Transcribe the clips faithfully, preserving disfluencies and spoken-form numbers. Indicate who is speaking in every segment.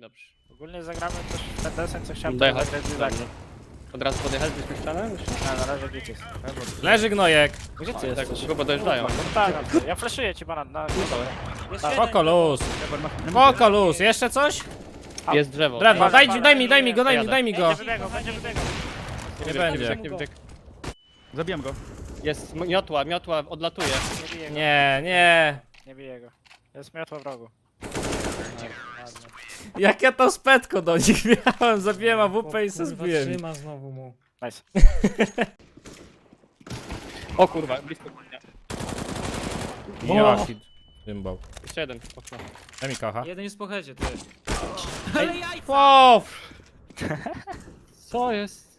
Speaker 1: Dobrze.
Speaker 2: Ogólnie zagramy też w ten desen, co chciałem
Speaker 1: Dojechać.
Speaker 2: zagrać z Izak.
Speaker 1: Od razu podjechać, byśmy ścianę?
Speaker 2: A na razie gdzie jest?
Speaker 3: Leży gnojek.
Speaker 2: Gdzie ty
Speaker 1: Tak,
Speaker 2: jesteś?
Speaker 1: chyba dojeżdżają.
Speaker 2: Tak, ja flashuję ci banan na
Speaker 3: Spoko luz. Spoko luz. Jeszcze coś?
Speaker 1: Jest drzewo.
Speaker 3: Drewno,
Speaker 2: Ej,
Speaker 3: daj,
Speaker 2: banan,
Speaker 3: daj mi, daj mi go, daj mi,
Speaker 1: jadę.
Speaker 3: daj mi go.
Speaker 2: Będzie wybiegał, będzie wybiegał.
Speaker 3: Nie
Speaker 1: bieg,
Speaker 3: będzie.
Speaker 1: bieg, bieg, bieg.
Speaker 4: Zabijam go.
Speaker 1: Jest m- miotła, miotła odlatuje.
Speaker 2: Nie bije go.
Speaker 3: Nie, nie.
Speaker 2: Nie bije go. Jest miotło w rogu.
Speaker 3: Jak ja to spetko do nich miałem, zabiłem A W P i se zbiłem.
Speaker 5: Trzyma znowu mu.
Speaker 2: Nice.
Speaker 1: O kurwa, blisko. Nie.
Speaker 3: Jaki cymbał.
Speaker 1: Jeszcze jeden, okno.
Speaker 3: Daj mi kocha.
Speaker 5: Jeden jest po headzie, ty.
Speaker 3: Wow.
Speaker 1: Co jest?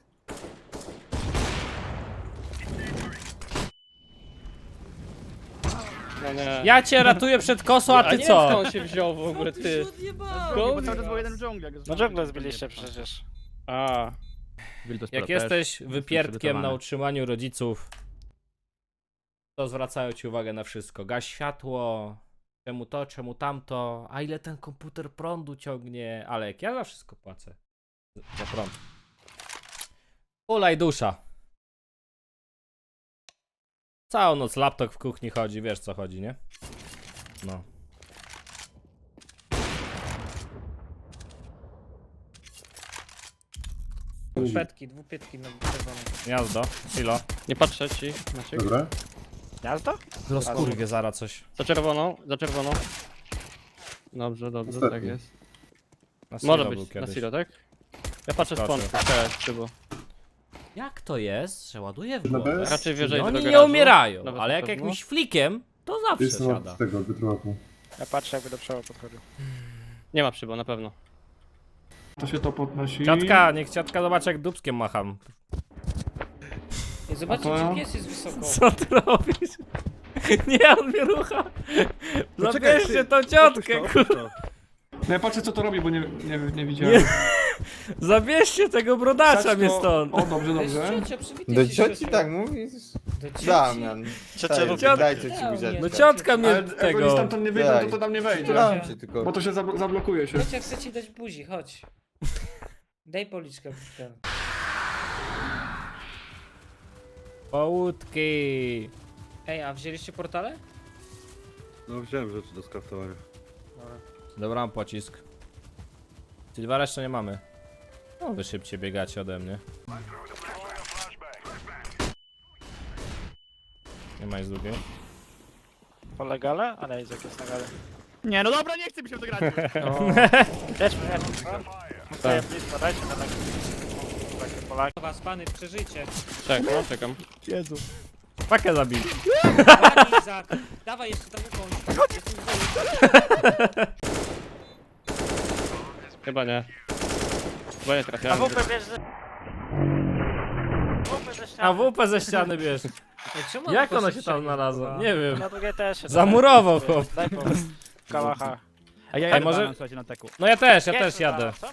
Speaker 1: No nie.
Speaker 3: Ja cię ratuję przed kosą, a ty
Speaker 1: nie wiem, skąd
Speaker 3: co?
Speaker 1: on się wziął w ogóle, ty.
Speaker 4: Bo cały czas był jeden w dżungli. jak
Speaker 2: No
Speaker 4: zobaczyłem,
Speaker 2: dżunglę
Speaker 4: to
Speaker 2: zbiliście
Speaker 4: będzie.
Speaker 2: przecież.
Speaker 1: A.
Speaker 3: Jak jesteś wypierdkiem na utrzymaniu rodziców, to zwracają ci uwagę na wszystko. Gaś światło, czemu to, czemu tamto, a ile ten komputer prądu ciągnie. Ale jak ja za wszystko płacę. Za prąd. Ulaj dusza. Całą noc laptop w kuchni chodzi, wiesz co chodzi, nie? No.
Speaker 5: Petki, dwupietki na czerwono.
Speaker 3: Gniazdo, silo.
Speaker 1: Nie patrzę ci, Maciek.
Speaker 6: Dobra.
Speaker 2: Gniazdo?
Speaker 3: Rozkurwie zara coś.
Speaker 1: Za czerwoną, za czerwoną. Dobrze, dobrze,
Speaker 6: Ostatni.
Speaker 1: tak jest.
Speaker 3: Na silo
Speaker 1: Może
Speaker 3: był
Speaker 1: być na
Speaker 3: kiedyś.
Speaker 1: silo, tak? Ja patrzę z
Speaker 3: Skoczył.
Speaker 1: pączku, teraz szybko.
Speaker 3: Jak to jest, że ładuje w
Speaker 6: Na
Speaker 3: głowę?
Speaker 6: bez?
Speaker 1: Raczej wyżej
Speaker 3: No
Speaker 1: do
Speaker 3: oni nie
Speaker 1: garażu.
Speaker 3: umierają,
Speaker 1: Nawet
Speaker 3: ale
Speaker 1: na
Speaker 3: jak
Speaker 1: pewno.
Speaker 3: jakimś flikiem, to zawsze
Speaker 6: Jestem
Speaker 3: siada.
Speaker 6: od tego wytrułapu.
Speaker 2: Ja patrzę jakby do przodu podchodził.
Speaker 1: Nie ma przybo, na pewno.
Speaker 4: To się to podnosi.
Speaker 3: Ciotka, niech ciotka zobaczy jak dupskiem macham.
Speaker 5: Ej, zobaczcie,
Speaker 4: A to?
Speaker 5: czy pies jest wysoko.
Speaker 3: Co ty robisz? Nie, on mnie rucha.
Speaker 4: No
Speaker 3: Zabierzcie tą ciotkę, kurwa.
Speaker 4: No ja patrzę co to robi, bo nie, nie, nie widziałem.
Speaker 3: Nie. Zabierzcie tego brodacza
Speaker 4: Wsadź
Speaker 3: mnie
Speaker 4: to-
Speaker 3: stąd.
Speaker 4: O, dobrze,
Speaker 5: To jest
Speaker 4: dobrze.
Speaker 5: ciocia, przywitaj
Speaker 7: Do
Speaker 5: się
Speaker 7: cioci
Speaker 5: siostrą.
Speaker 7: tak mówisz?
Speaker 5: Do cioci?
Speaker 7: Damian.
Speaker 2: Ciocia,
Speaker 7: Daj,
Speaker 3: ciocia-
Speaker 7: daj cioci
Speaker 5: Damian.
Speaker 7: buziaczka.
Speaker 3: No ciotka mnie
Speaker 4: Ale jak oni
Speaker 3: tego.
Speaker 4: stamtąd nie wyjdą, to to tam nie wejdzie.
Speaker 7: Dam cię tylko.
Speaker 4: Bo to się zablo- zablokuje się.
Speaker 5: Ciocia chce ci dać buzi, chodź. Daj policzkę w ten.
Speaker 3: Połudki.
Speaker 5: Ej, a wzięliście portale?
Speaker 6: No wziąłem rzeczy do skraftowania.
Speaker 3: Dobra, mam pocisk. Sylwara jeszcze nie mamy. No wy szybciej biegacie ode mnie. Nie ma nic drugiej.
Speaker 2: Po legale? Ale Izak jest na gale.
Speaker 4: Nie, no dobra, nie chcę mi się w to grać.
Speaker 2: Jedźmy, jedźmy. Stoję blisko, dajcie na tak. Takie Polaki.
Speaker 5: Was, pany, przeżyjcie.
Speaker 1: Czekam, no, czekam.
Speaker 3: Jezu. Pakę zabij.
Speaker 5: Dawaj, Izak. Dawaj jeszcze tam ukończ. Jestem zdolny.
Speaker 1: Chyba nie. Chyba nie
Speaker 2: A
Speaker 1: trafiałem.
Speaker 2: W P bierz ze... W P ze ściany.
Speaker 3: A W P ze ściany bierz.
Speaker 5: Ej, czemu
Speaker 3: Jak
Speaker 5: on
Speaker 3: ono
Speaker 5: poszedł
Speaker 3: się tam
Speaker 5: strzelić,
Speaker 3: znalazło?
Speaker 5: kurwa?
Speaker 3: Nie wiem.
Speaker 2: Na drugie też się
Speaker 3: Zamurował
Speaker 2: da.
Speaker 3: chłop.
Speaker 2: Daj pomysł. Kałacha.
Speaker 4: A ja
Speaker 3: Ej,
Speaker 4: jadę
Speaker 3: może-
Speaker 4: może... słuchajcie, na teku.
Speaker 3: No ja też, ja
Speaker 2: Jedźmy
Speaker 3: też jadę.
Speaker 2: zaraz, co?